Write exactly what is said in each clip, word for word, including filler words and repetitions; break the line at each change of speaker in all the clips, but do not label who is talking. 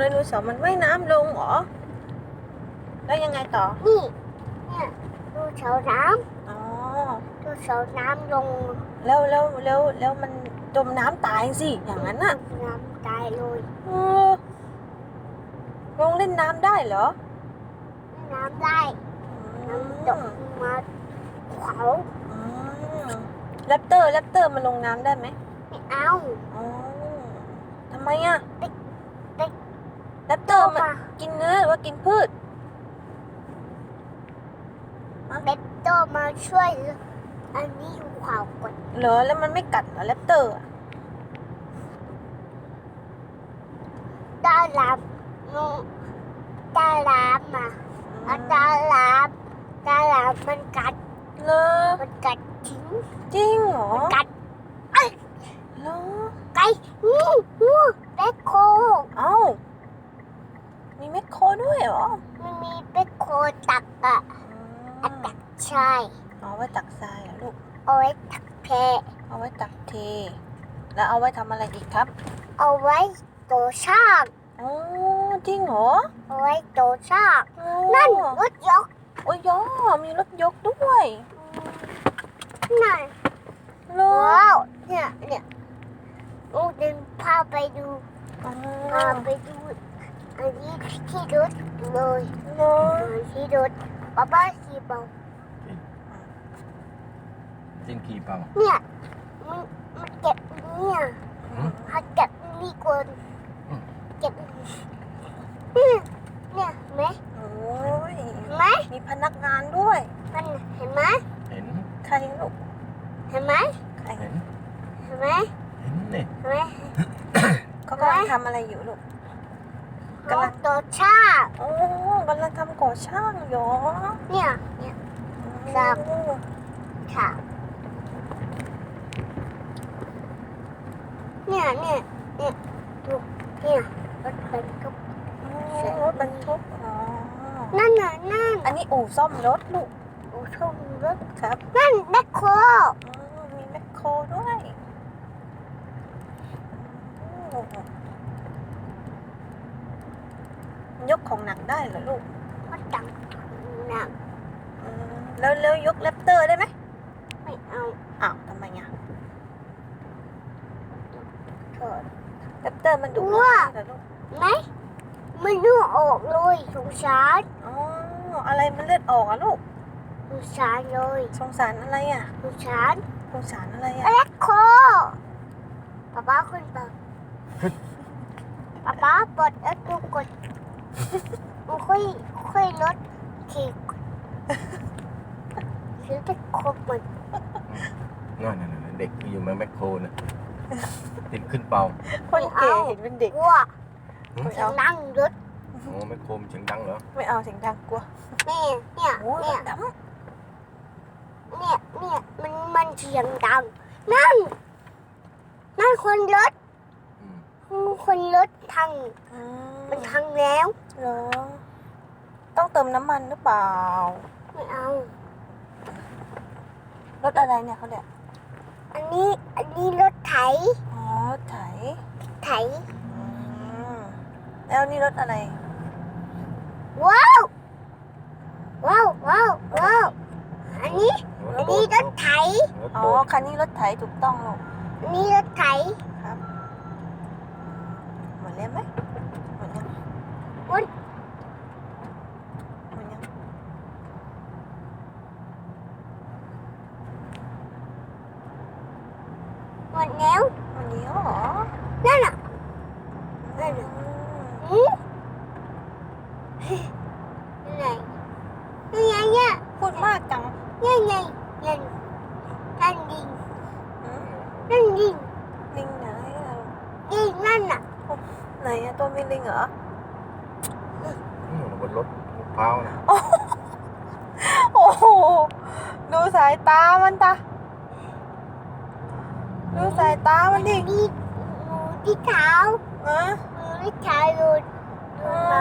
โนเสาร์มันว่ายน้ำลงเหรอแล้วยังไงต่อ
นี่เนี่ยดูเสาน้
ำอ๋อ
ำดูเสาน้ำลง
แล้วแล้วแล้วแล้วมันจมน้ำตายสิอย่างนั้นน่ะ
จมน้ำตายเลย
เออลงเล่นน้ำได้เหรอ
น้ำได้น้ำตกมาเขา
แรปเตอร์แรปเตอร์มันลงน้ำได้ไหม
ไม่เอา
อ๋อทำไมอ่ะ
เด็กเด็ก
แรปเตอร์มันกินเนื้อหรือว่ากินพืช
เด็กโตมาช่วยอันนี้อยู่ขวาวกด
เหรอแล้วมันไม่กัดเหรอแรปเตอร์
ตาลามตาลามอ่ะตาลามตาลามมันกัด
เหรอ
มันกัดจริง
จริงเหรอ
กัดเอ้ย
เหรอ
ไก่งูงูแบคโค
เอ้ามีแมคโครด้วยเหรอ
มันมีแบคโคตักอะอัตักใช่
เอาไว้ตักทรายเหรอลูก
เอาไว้ตักเท
เอาไว้ตักเทแล้วเอาไว้ทำอะไรอีกครับ
เอาไว้โตช่าง
อ๋อจริงเหรอ
เอาไว้โตช่างนั่นรถยก
โอ้ยยอมีรถยกด้วย
นั่นว้าวเนี่ยเนี่ยลูกเดินพาไปดูพาไปดูอันนี้ที่รถเลยที่รถป้าป้าขี่เบา
จริงขี่เปล่า
เนี่ยมันมันเก็บเนี่ยเขาเก็บนี่คนเก็บเนี่ยเนี่ยไหม
โอ้ย
ไหม
มีพนักงานด้วย
มันเห็นไหม
เห็น
ใครลูก
เห็นไหม
ใคร
เห็น
เห็นไหม
เห็นนี่
เห็นไหม
เขากำลังทำอะไรอยู่ลูก
กำลังต่อช่าง
โอ้กำลังทำก่อช่างเหรอ
เนี่ยเนี่ยช่างช่างเนี่ยเนี่ยเนี่ยดูเนี่ยรถบรรทุก
รถบรรทุกอ๋อ
นั่นน่ะนั่น
อันนี้อู่ซ่อมรถลูก
อู่ซ่อมรถ
ครับ
นั่นแมคโคร
มีแมคโครด้วยยกของหนักได้เหรอลูก
มันดังหนัก
แล้วแล้วยกแรปเตอร์ได้ไหม
ไม่เอา
อ้าวทำไมอ่ะแรปเตอร์มันดุ
ว่า
เหรอลูก
ไหมมันเลือดออกเลยสงสาร
อ๋ออะไรมันเลือดออกอ่ะลูก
สงสารเลย
สงสารอะไรอ่ะ
สงสาร
สงสารอะไรอ่ะ
แมคโครป๊าป๊าขึ้นไปป๊าป๊าปลดแล้วดูกดมันค่อยค่อยลดทีถือไปครบหมด
นั่นนั่นเด็กอยู่แมคโครนะติดขึ้นเปล่า
คนแก่เห็นเป็นเด็ก
ว่าเสียงดังรถ
โอ้แมคโครเสียงดังเหรอ
ไม่เอาเสียงดังกลัว
นี่เนี่ยเนี่ยเนี่ยเนี่ยมันมันเสียงดังนั่นนั่นคนรถคนรถทังมันทังแล้ว
เหรอต้องเติมน้ำมันหรือเปล่า
ไม่เอา
รถอะไรเนี่ยเขาเนี่ย
อันนี้อันนี้รถไถ
อ๋อไถ
ไถ
แล้วนี่รถอะไร
ว้าวว้าวว้าวว้าวอันนี้อันนี้รถไถ
อ๋อคันนี้รถไถถูกต้องลูก
อันนี้รถไถ
ครับหมดแล้วไหมหมดยัง
หมด
หมดยัง
หมดแล้ว
หมดแล้วเหรอ
นั่นน่ะนั่นน่ะอืมไงไงเนี่ย
พูดมากจัง
ไงไงนั่นนั่นดิงนั่นดิง
ลิงไหนอ่ะ
ดิงนั่นน่ะ
ไหนอ่ะตัวมีลิงเหรอ
บนรถพร้าวนะ
โอ้โหดูสายตามันตาดูสายตามันดิ
ดูที่เท้า
อะ
ดูที่เท้าดูดูมา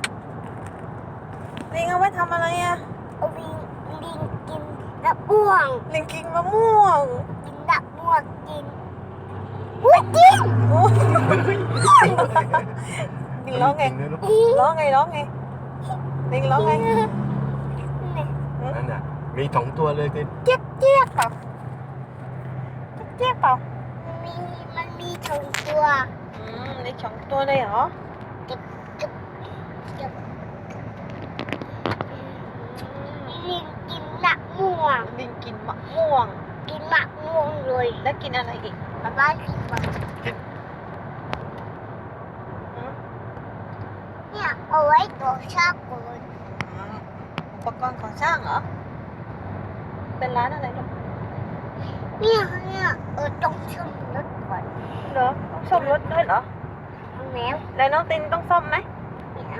ลิงเอาไว้ทำอะไรอ่ะ
เอาลิงลิงกินมะม่วง
ลิงกินมะม่วง
กินมะม่วงกินอุ้ยกิน
ลิงร้องไง
จริๆนะลูก
ร้องไงร้องไงลิงร้องไง
นั่นน่ะมีสองตัวเลยคือ
เจี๊ยกเจี๊ยกเปล่าเจี๊ยกเปล่า
มีมันมีสองตัว
อืมลิงสองตัวเลยเหรอ
เก็บเก็บเก็บลิงกินมะม่วง
ลิงกินมะม่วง
กินมะม่วงเลย
แล้วกินอะไรอีก
ป๊าป๊ากินมะ
อืม
เนี่ยเอาไว้ตัวชอบกู
อืมอุปกรณ์ก่อสร้างเหรอ เป็นร้านอะไรลูก
เนี่ยเนี่ยเออต้องชมรถก่อน
เหรอต้องซ่อมรถด้วยเหรอ
เอาแมว
แล้วน้องตินต้องซ่อมไหม
ไม่เอา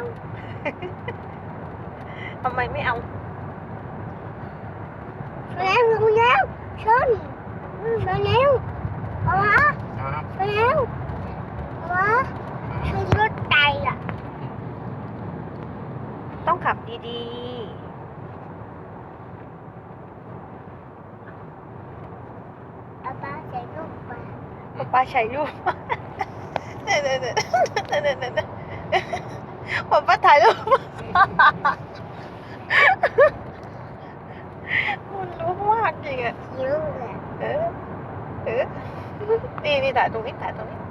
ทำไมไม่เอา
ไปแล้วลงแล้วชนไปแล้วเอาวะ
ครับ
ไปแล้วเอาวะชนรถไตอ่ะ
ต้องขับดี
ป๊าป๊าใส่ลูกไป
ๆป๊าป้าใช้รูป เดี๋ยวเดี๋ยวเดี๋ยวเดี๋ยวเดี๋ยวเดี๋ยวป๊าป้าถ่ายรูป มันรู้มากจริงอ่ะ
เยอะเลย
เออ เออ นี่นี่ถ่ายตรงนี้ถ่ายตรงนี้